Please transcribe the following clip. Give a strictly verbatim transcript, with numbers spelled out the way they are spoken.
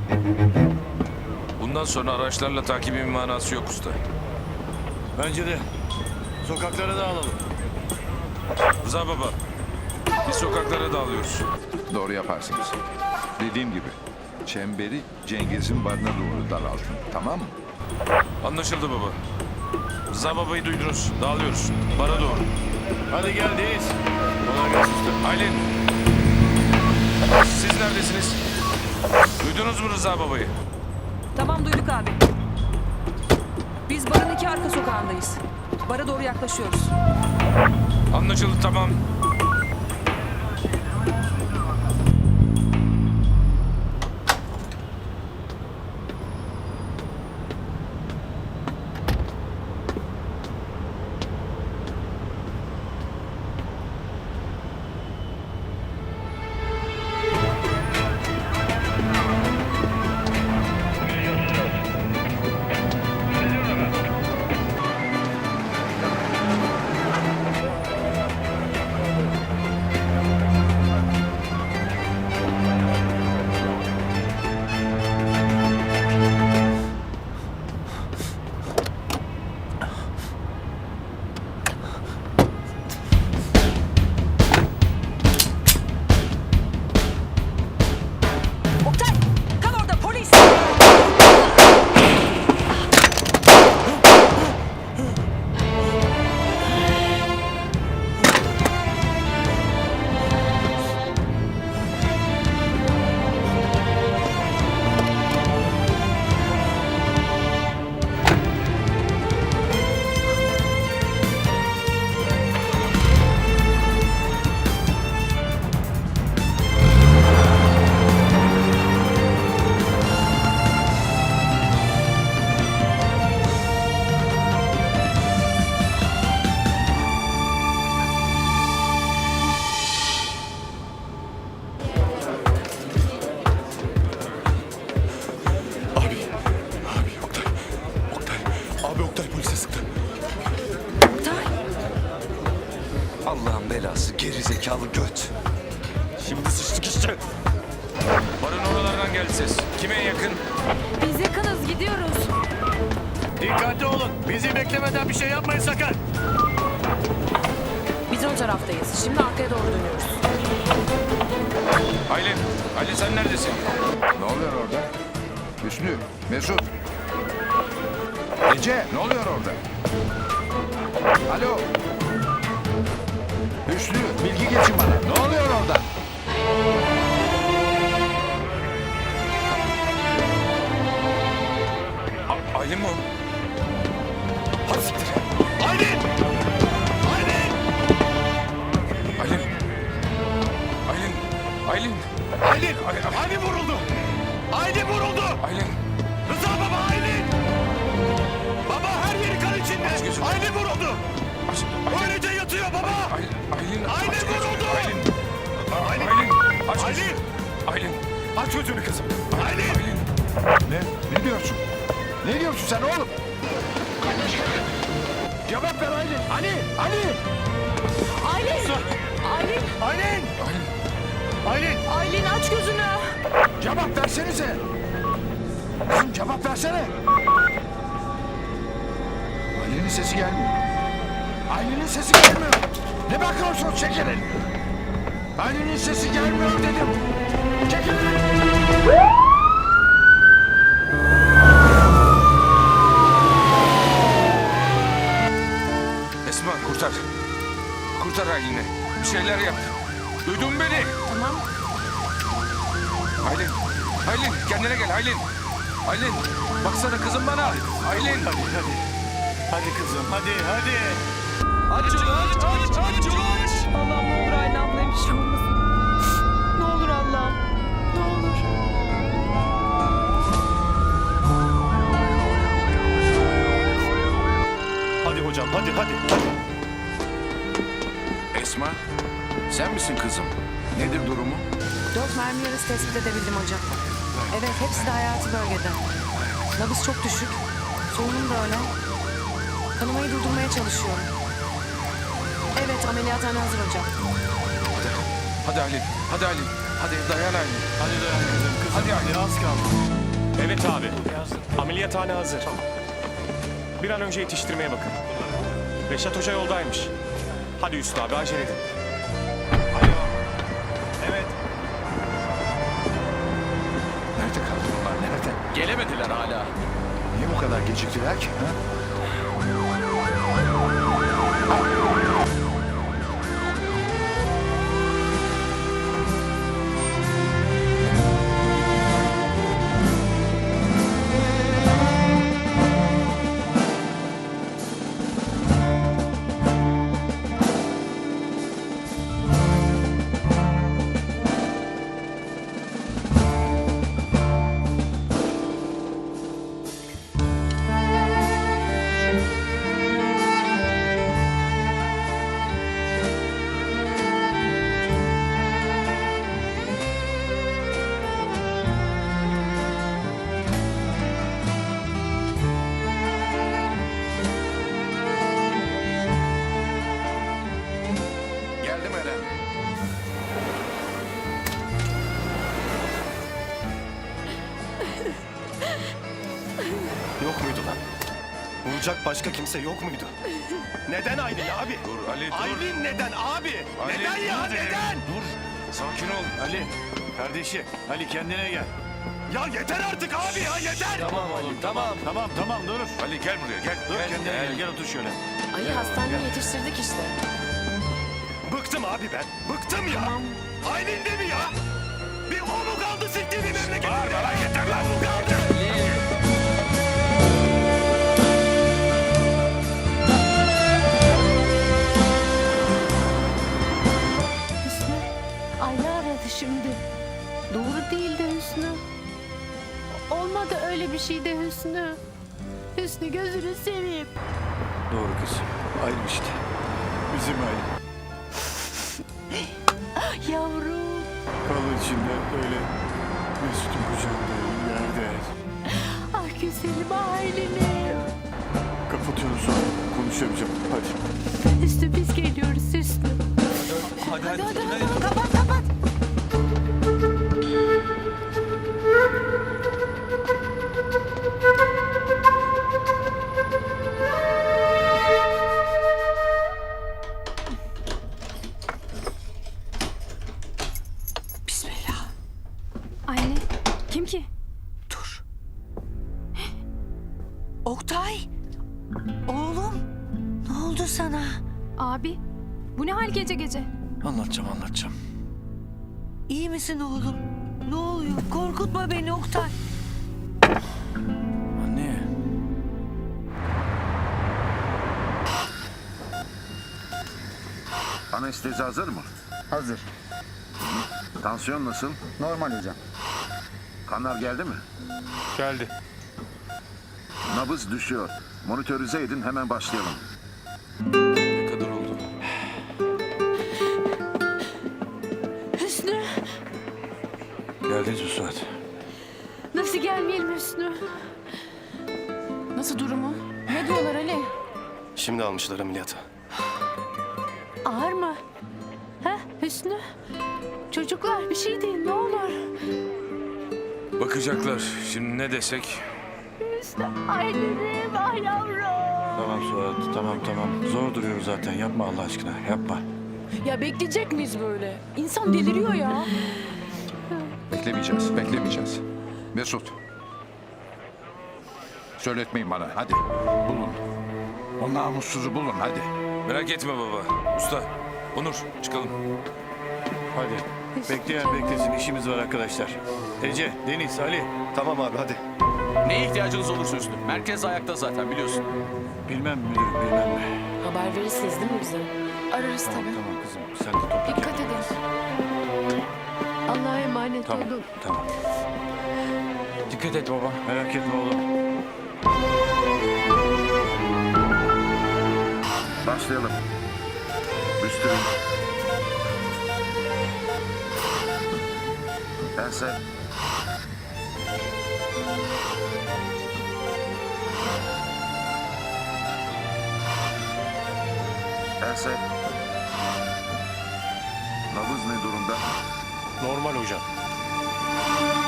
Bundan sonra araçlarla takibin manası yok usta. Bence de. Sokaklara dağılalım. Rıza baba, biz sokaklara dağılıyoruz. Doğru yaparsınız. Dediğim gibi çemberi Cengiz'in barına doğru daraltın. Tamam mı? Anlaşıldı baba. Rıza babayı duydunuz. Dağılıyoruz. Bara doğru. Hadi gel Deniz. Kolay gelsin usta. Aylin. Siz neredesiniz? Duydunuz mu Rıza babayı? Tamam duyduk abi. Biz barın iki arka sokağındayız. Bara doğru yaklaşıyoruz. Anlaşıldı, tamam. Oktay! Kal orada polis! Abi, abi Oktay, Oktay, abi Oktay polise sıktı. Oktay! Allah'ın belası geri zekalı göt. Şimdi sıçtık işte. Barın oralardan geldi ses. Kime yakın? Biz yakınız gidiyoruz. Dikkatli olun. Bizi beklemeden bir şey yapmayın sakın. Biz ön taraftayız. Şimdi arkaya doğru dönüyoruz. Aylin. Aylin sen neredesin? Ne oluyor orada? Hüsnü, Mesut. Ece, ne oluyor orada? Alo. Hüsnü, bilgi geçin bana. Ne oluyor orada? A- Aylin mi o? Hadi siktir. Aylin! Aylin! Aylin. Aylin. Aylin. Aylin! Aylin vuruldu. Aylin vuruldu. Aylin. Rıza baba Aylin! Baba her yeri kan Aç içinde. gözünü. Aylin vuruldu. Aç, Aylin. Öylece yatıyor baba. Aylin. Aylin. Aylin aç gözünü. vuruldu. Aylin. Aylin! Aylin. Aç Aylin! gözünü. Aylin. Aç gözünü kızım. Aylin! Aylin. Ne? Ne diyorsun? Ne diyorsun sen oğlum? Cevap ver Aylin. Ali, Ali. Aylin! Aylin! Aylin! Aylin. Aylin! Aylin aç gözünü! Cevap versenize. Kızım cevap versene. Aylin'in sesi gelmiyor. Aylin'in sesi gelmiyor. Ne bakıyorsunuz çekilin. Aylin'in sesi gelmiyor dedim. Çekilin. Esma kurtar. Kurtar Aylin'i. Bir şeyler yap. Duydun mu beni? Tamam. Aylin. Aylin kendine gel Aylin. Aylin. Baksana kızım bana. Aylin. Hadi hadi. Hadi kızım hadi hadi. Aç yolu aç aç aç yolu aç. Allah'ım ne olur Aylin ablaya bir şey olmasın. Ne olur Allah'ım. Ne olur. Hadi hocam hadi hadi. hadi. Esma, sen misin kızım? Nedir durumu? Dört mermi yarısı tespit edebildim hocam. Evet hepsi de hayati bölgede. Nabız çok düşük. Solunum da öyle. Kanamayı durdurmaya çalışıyorum. Evet ameliyathane hazır hocam. Hadi Aylin. Hadi Aylin. Hadi dayan Aylin. Hadi dayan kızım. Kızım Hadi hadi, Aylin. az kaldı. Evet abi. Ameliyathane hazır. Bir an önce yetiştirmeye bakın. Reşat Hoca yoldaymış. Hadi Hüsnü abi acele edin. Evet. Nerede kaldı bunlar? Nerede? Gelemediler hala. Niye bu kadar geciktiler ki? Ha? Geldim Eren. Yok muydu lan? Vuracak başka kimse yok muydu? Neden Aylin abi? Dur Ali dur. Aylin neden abi? Ali, neden ya dur dedim. neden? Dur. Sakin ol. Ali, kardeşi. Ali kendine gel. Ya yeter artık abi ya yeter. Tamam oğlum, tamam. Tamam, tamam, dur. Ali gel buraya gel. Dur gel, kendine gel. gel, gel otur şöyle. Ali hastaneye yetiştirdik işte. Bıktım abi ben. Bıktım ya. Aylin de mi ya? Bir o mu kaldı siktiği bir memleketimde? Bağırma lan yeter lan. O mu kaldı? Hüsnü, Ayla aradı şimdi. Doğru değil de Hüsnü. Olmadı öyle bir şey de Hüsnü. Hüsnü gözünü seveyim. Doğru kız. Aylin işte. Bizim Aylin. Yavrum. Kalın içinde öyle Mesut'un kucağında yerde. Ah güzelim ailenim. Kapatıyorum sonra. Konuşamayacağım. Hadi. Hüsnü biz geliyoruz Hüsnü. Hadi Hadi hadi hadi. Kapat kapat. Bismillah. Anne kim ki? Dur. Oktay. Oğlum. Ne oldu sana? Abi bu ne hal gece gece? Anlatacağım anlatacağım. İyi misin oğlum? Ne oluyor? Korkutma beni Oktay. Anne. Anestezi hazır mı? Hazır. Tansiyon nasıl? Normal hocam. Kanlar geldi mi? Geldi. Nabız düşüyor. Monitörize edin, hemen başlayalım. Ne kadar oldu? Hüsnü Geldiniz mi Suat? nasıl gelmeyelim Hüsnü? Nasıl durumu? Ne diyorlar Ali? Şimdi almışlar ameliyata. Ağır mı? Ha Hüsnü? Çocuklar bir şey deyin ne olur. Bakacaklar. Şimdi ne desek? Hüsnü ailenim ah yavrum. Tamam Suat. Tamam tamam. Zor duruyoruz zaten. Yapma Allah aşkına. Yapma. Ya bekleyecek miyiz böyle? İnsan deliriyor ya. Beklemeyeceğiz, beklemeyeceğiz. Mesut. Söyletmeyin bana, hadi. Bulun. O namussuzu bulun, hadi. Merak etme baba. Usta. Onur çıkalım. Hadi. Bekleyen beklesin. İşimiz var arkadaşlar. Ece, Deniz, Ali. Tamam abi hadi. Neye ihtiyacınız olursa Hüsnü. Merkez ayakta zaten biliyorsun. Bilmem müdürüm, bilmem mi? Haber verirsiniz değil mi bize? Ararız Tamam, tabii. tamam kızım. Sen de topla. Dikkat edin. Allah'a emanet Tamam, olun. tamam. Dikkat et baba. Merak etme oğlum. Başlayalım. Büstürün. Pense. Pense. Nabız ne durumda? Normal hocam.